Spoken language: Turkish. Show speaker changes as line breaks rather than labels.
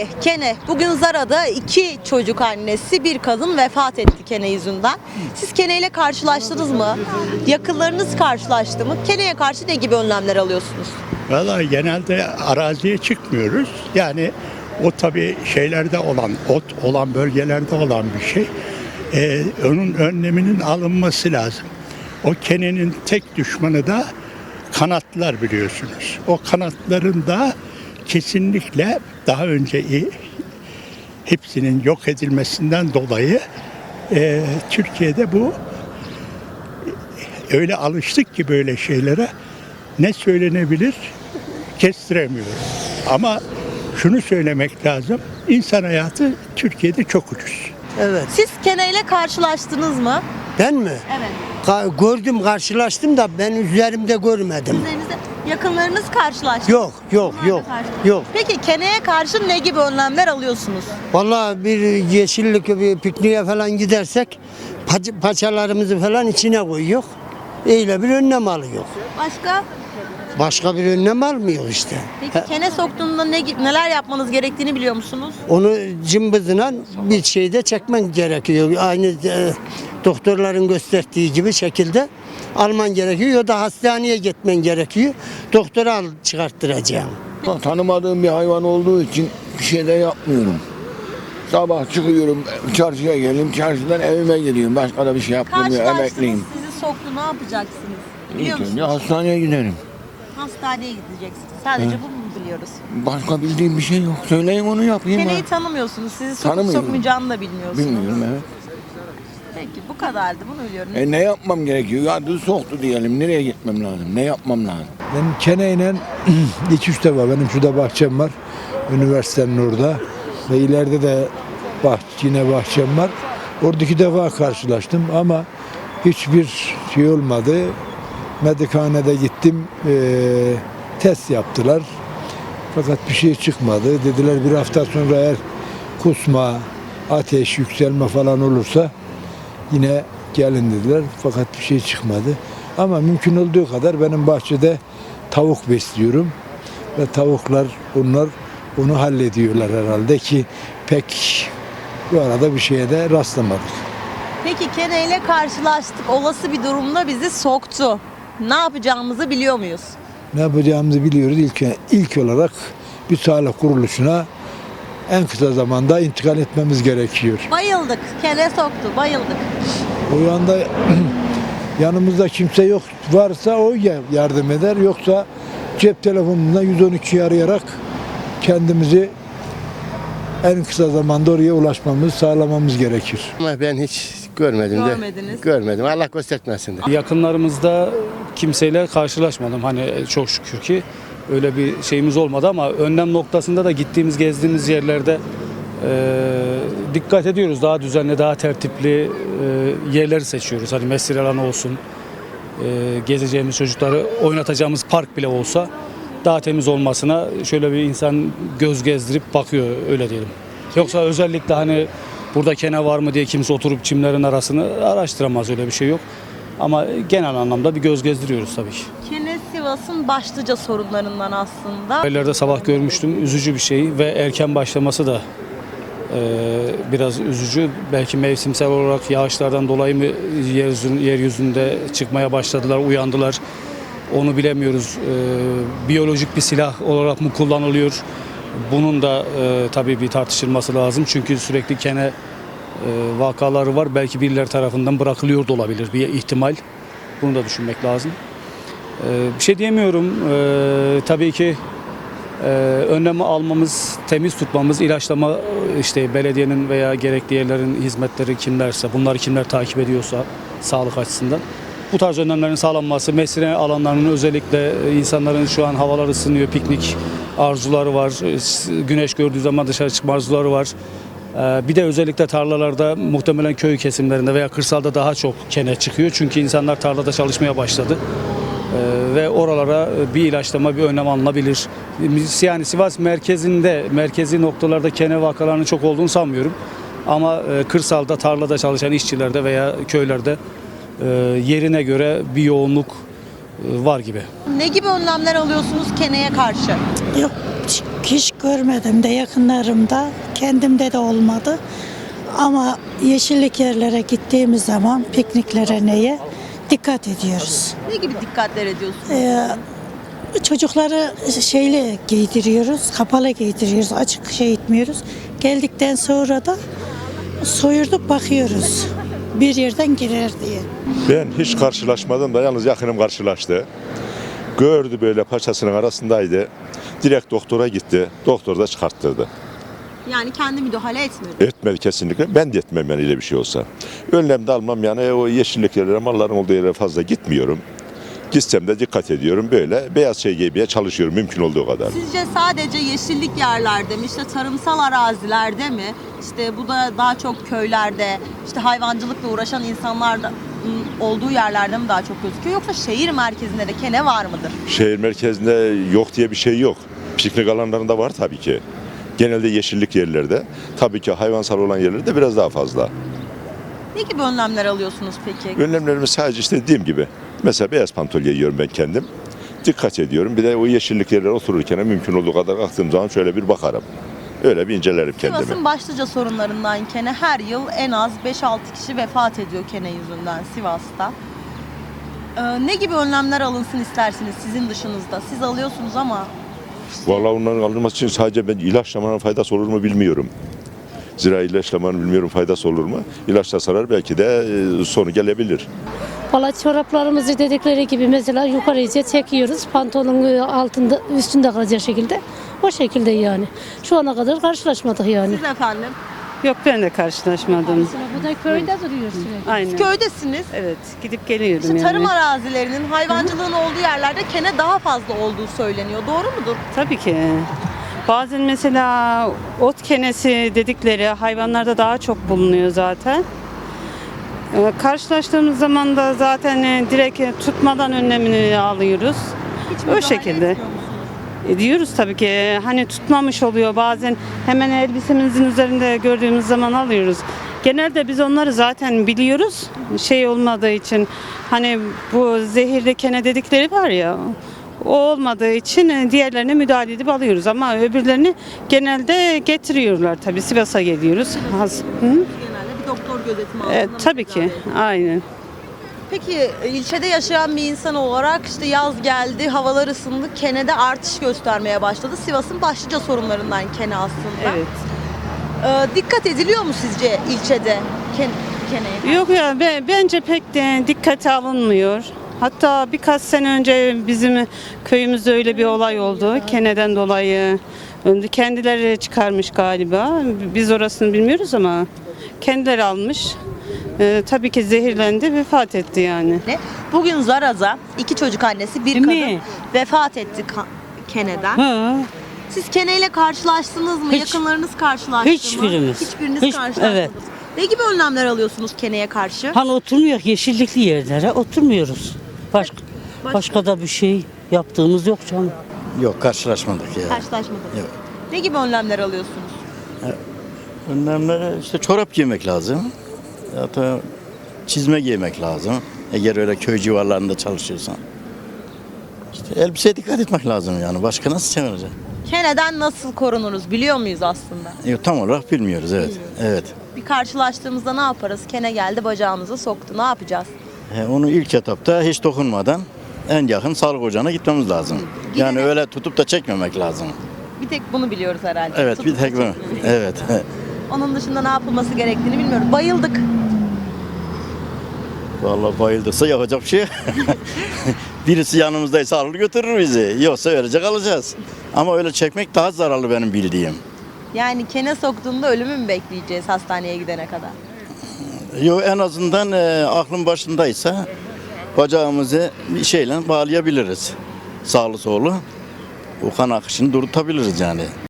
Kene, bugün Zara'da 2 çocuk annesi, bir kadın vefat etti kene yüzünden. Siz kene ile karşılaştınız mı? Yakınlarınız karşılaştı mı? Keneye karşı ne gibi önlemler alıyorsunuz?
Vallahi genelde araziye çıkmıyoruz. Yani o tabii şeylerde olan, ot olan bölgelerde olan bir şey. Onun önleminin alınması lazım. O kenenin tek düşmanı da kanatlar biliyorsunuz. O kanatların da kesinlikle daha önce hepsinin yok edilmesinden dolayı Türkiye'de bu öyle alıştık ki böyle şeylere ne söylenebilir kestiremiyoruz. Ama şunu söylemek lazım. İnsan hayatı Türkiye'de çok ucuz.
Evet.
Siz kene ile karşılaştınız mı?
Ben mi?
Evet.
Gördüm, karşılaştım da ben üzerimde görmedim.
Üzerinizde yakınlarınız karşılaştı.
Yok, yok,
Onlar da
yok,
karşılaştı.
yok.
Peki keneye karşı ne gibi önlemler alıyorsunuz?
Vallahi bir yeşillik bir pikniğe falan gidersek paçalarımızı falan içine koyuyor. Öyle bir önlem alıyor.
Başka?
Başka bir önlem almıyor işte.
Peki kene soktuğunda neler yapmanız gerektiğini biliyor musunuz?
Onu cımbızla bir şeyde çekmen gerekiyor. Aynı doktorların gösterdiği gibi şekilde alman gerekiyor ya da hastaneye gitmen gerekiyor. Doktora al çıkarttıracağım.
Tanımadığım bir hayvan olduğu için bir şey de yapmıyorum. Sabah çıkıyorum, çarşıya geleyim, çarşıdan evime gidiyorum. Başka da bir şey yapmıyorum, emekliyim.
Sizi soktu, ne yapacaksınız? Biliyor
İlk önce
musunuz?
hastaneye giderim.
Hastaneye gideceksiniz. Sadece bunu mu biliyoruz?
Başka bildiğim bir şey yok. Söyleyin onu yapayım
Keneyi
ben.
tanımıyorsunuz. Sizi sokup
Tanımıyorum.
sokmayacağını da bilmiyorsunuz.
Bilmiyorum, evet.
Peki bu kadardı, bunu biliyorum.
Ne yapmam gerekiyor? Ya düz soktu diyelim. Nereye gitmem lazım? Ne yapmam lazım?
Benim keneyle 2-3 defa benim şurada bahçem var. Üniversitenin orada. Ve ileride de yine bahçem var. Orada 2 defa karşılaştım ama hiçbir şey olmadı. Medikhanede gittim. Test yaptılar. Fakat bir şey çıkmadı. Dediler bir hafta sonra eğer kusma, ateş, yükselme falan olursa yine gelin dediler. Fakat bir şey çıkmadı. Ama mümkün olduğu kadar benim bahçede tavuk besliyorum. Ve tavuklar onu hallediyorlar herhalde ki pek bu arada bir şeye de rastlamadık.
Peki keneyle karşılaştık. Olası bir durumda bizi soktu. Ne yapacağımızı biliyor muyuz?
Ne yapacağımızı biliyoruz. İlk olarak bir sağlık kuruluşuna en kısa zamanda intikal etmemiz gerekiyor.
Bayıldık. Kene soktu. Bayıldık.
O anda yanımızda kimse yok varsa o yardım eder. Yoksa cep telefonundan 112'yi arayarak kendimizi en kısa zamanda oraya ulaşmamız, sağlamamız gerekir.
Ama ben hiç görmedim de.
Görmediniz.
Görmedim. Allah göstermesin de.
Yakınlarımızda kimseyle karşılaşmadım. Hani çok şükür ki öyle bir şeyimiz olmadı ama önlem noktasında da gittiğimiz, gezdiğimiz yerlerde dikkat ediyoruz. Daha düzenli, daha tertipli yerleri seçiyoruz. Hani mesire alanı olsun, gezeceğimiz çocukları oynatacağımız park bile olsa daha temiz olmasına şöyle bir insan göz gezdirip bakıyor, öyle diyelim. Yoksa özellikle hani burada kene var mı diye kimse oturup çimlerin arasını araştıramaz, öyle bir şey yok. Ama genel anlamda bir göz gezdiriyoruz tabii ki.
Kene Sivas'ın başlıca sorunlarından aslında.
Haberlerde sabah görmüştüm, üzücü bir şey ve erken başlaması da biraz üzücü. Belki mevsimsel olarak yağışlardan dolayı mı yeryüzünde çıkmaya başladılar, uyandılar. Onu bilemiyoruz. Biyolojik bir silah olarak mı kullanılıyor? Bunun da tabii bir tartışılması lazım. Çünkü sürekli kene vakaları var. Belki birileri tarafından bırakılıyor da olabilir bir ihtimal. Bunu da düşünmek lazım. Bir şey diyemiyorum. Tabii ki önlemi almamız, temiz tutmamız, ilaçlama işte belediyenin veya gerekli yerlerin hizmetleri kimlerse, bunları kimler takip ediyorsa sağlık açısından bu tarz önlemlerin sağlanması, mesire alanlarının özellikle insanların şu an havalar ısınıyor, piknik arzuları var, güneş gördüğü zaman dışarı çıkma arzuları var. Bir de özellikle tarlalarda muhtemelen köy kesimlerinde veya kırsalda daha çok kene çıkıyor. Çünkü insanlar tarlada çalışmaya başladı. Ve oralara bir ilaçlama, bir önlem alınabilir. Yani Sivas merkezi noktalarda kene vakalarının çok olduğunu sanmıyorum. Ama kırsalda, tarlada çalışan işçilerde veya köylerde yerine göre bir yoğunluk var gibi.
Ne gibi önlemler alıyorsunuz keneye karşı?
Yok,
hiç görmedim de yakınlarımda, kendimde de olmadı. Ama yeşillik yerlere gittiğimiz zaman pikniklere neye dikkat ediyoruz.
Ne gibi dikkatler ediyorsunuz?
Çocukları şeyle giydiriyoruz, kapalı giydiriyoruz, açık şey etmiyoruz. Geldikten sonra da soyurduk bakıyoruz. Bir yerden girer diye.
Ben hiç karşılaşmadım da yalnız yakınım karşılaştı. Gördü böyle paçasının arasındaydı. Direkt doktora gitti. Doktor da çıkarttırdı.
Yani kendi müdahale etmedi.
Etmedi kesinlikle. Ben de etmem yani öyle bir şey olsa. Önlem de almam yani o yeşillik yerlere, malların olduğu yere fazla gitmiyorum. Gitsem de dikkat ediyorum. Böyle beyaz şey giymeye çalışıyorum mümkün olduğu kadar.
Sizce sadece yeşillik yerlerde mi, işte tarımsal arazilerde mi, işte bu da daha çok köylerde, işte hayvancılıkla uğraşan insanlar da olduğu yerlerde mi daha çok gözüküyor, yoksa şehir merkezinde de kene var mıdır?
Şehir merkezinde yok diye bir şey yok. Piknik alanlarında var tabii ki. Genelde yeşillik yerlerde. Tabii ki hayvansal olan yerlerde biraz daha fazla.
Ne gibi önlemler alıyorsunuz peki?
Önlemlerimiz sadece işte dediğim gibi. Mesela beyaz pantol giyiyorum ben kendim. Dikkat ediyorum. Bir de o yeşillik yerlere otururken mümkün olduğu kadar kalktığım zaman şöyle bir bakarım. Öyle bir incelerim kendimi.
Sivas'ın başlıca sorunlarından kene, her yıl en az 5-6 kişi vefat ediyor kene yüzünden Sivas'ta. Ne gibi önlemler alınsın istersiniz sizin dışınızda? Siz alıyorsunuz ama
Vallahi onların alınması için sadece ben ilaçlamanın faydası olur mu bilmiyorum. Zira ilaçlamanın bilmiyorum faydası olur mu? İlaçlasalar belki de sonu gelebilir.
Valla çoraplarımızı dedikleri gibi mesela yukarıya çekiyoruz. Pantolonun altında, üstünde kalacak şekilde. O şekilde yani. Şu ana kadar karşılaşmadık yani.
siz efendim
Yok ben de karşılaşmadım.
Bu da köyde duruyor sürekli.
Aynen.
köydesiniz.
Evet gidip geliyorum
İşte
yani.
tarım arazilerinin, hayvancılığın olduğu yerlerde kene daha fazla olduğu söyleniyor. Doğru mudur?
Tabii ki. Bazen mesela ot kenesi dedikleri hayvanlarda daha çok bulunuyor zaten. Karşılaştığımız zaman da zaten direkt tutmadan önlemini alıyoruz.
Hiç
O
müdahale
şekilde.
etmiyor musunuz?
Ediyoruz tabii ki. Hani tutmamış oluyor bazen hemen elbisemizin üzerinde gördüğümüz zaman alıyoruz. Genelde biz onları zaten biliyoruz. Şey olmadığı için hani bu zehirli kene dedikleri var ya, o olmadığı için diğerlerine müdahale edip alıyoruz ama öbürlerini genelde getiriyorlar tabii. Sivas'a geliyoruz.
Genelde bir doktor gözetimi altında.
Tabii ki. Aynen.
Peki ilçede yaşayan bir insan olarak işte yaz geldi, havalar ısındı, kenede artış göstermeye başladı. Sivas'ın başlıca sorunlarından kene aslında.
Evet.
Dikkat ediliyor mu sizce ilçede keneye?
Yok ya bence pek de dikkate alınmıyor. Hatta birkaç sene önce bizim köyümüzde öyle bir olay oldu. Keneden dolayı kendileri çıkarmış galiba. Biz orasını bilmiyoruz ama kendileri almış. Tabii ki zehirlendi, vefat etti yani.
Bugün Zaraz'a 2 çocuk annesi bir kadın vefat etti keneden.
Ha,
Siz keneyle karşılaştınız mı?
Hiç.
Yakınlarınız karşılaştı mı?
Hiçbirimiz.
Hiçbiriniz
Hiç,
karşılaşmadınız.
evet.
Ne gibi önlemler alıyorsunuz keneye karşı?
hani oturmuyor yeşillikli yerlere oturmuyoruz. Başka da bir şey yaptığımız yok canım.
Yok karşılaşmadık ya.
Karşılaşmadınız.
Yok.
Ne gibi önlemler alıyorsunuz?
Önlemlere işte çorap giymek lazım. Ya da çizme giymek lazım. Eğer öyle köy civarlarında çalışıyorsan. İşte elbiseye dikkat etmek lazım yani. Başka nasıl çevirecek?
Keneden nasıl korunuruz biliyor muyuz aslında?
Yok, tam olarak bilmiyoruz evet. Evet.
Bir karşılaştığımızda ne yaparız? Kene geldi bacağımıza soktu. Ne yapacağız?
Onu ilk etapta hiç dokunmadan en yakın sağlık ocağına gitmemiz lazım. Yani öyle tutup da çekmemek lazım.
Bir tek bunu biliyoruz herhalde.
Evet,
Tutup
bir tek
da
bu.
çekmemek.
Evet.
Onun dışında ne yapılması gerektiğini bilmiyorum. Bayıldık.
Vallahi bayıldıysa yapacak bir şey yok. Birisi yanımızdaysa alır götürür bizi. Yoksa öylece kalacağız. Ama öyle çekmek daha zararlı benim bildiğim.
Yani kene soktuğunda ölümü mü bekleyeceğiz hastaneye gidene kadar?
Yok, en azından aklın başındaysa bacağımızı bir şeyle bağlayabiliriz. Sağlı sollu. O kan akışını durdurtabiliriz yani.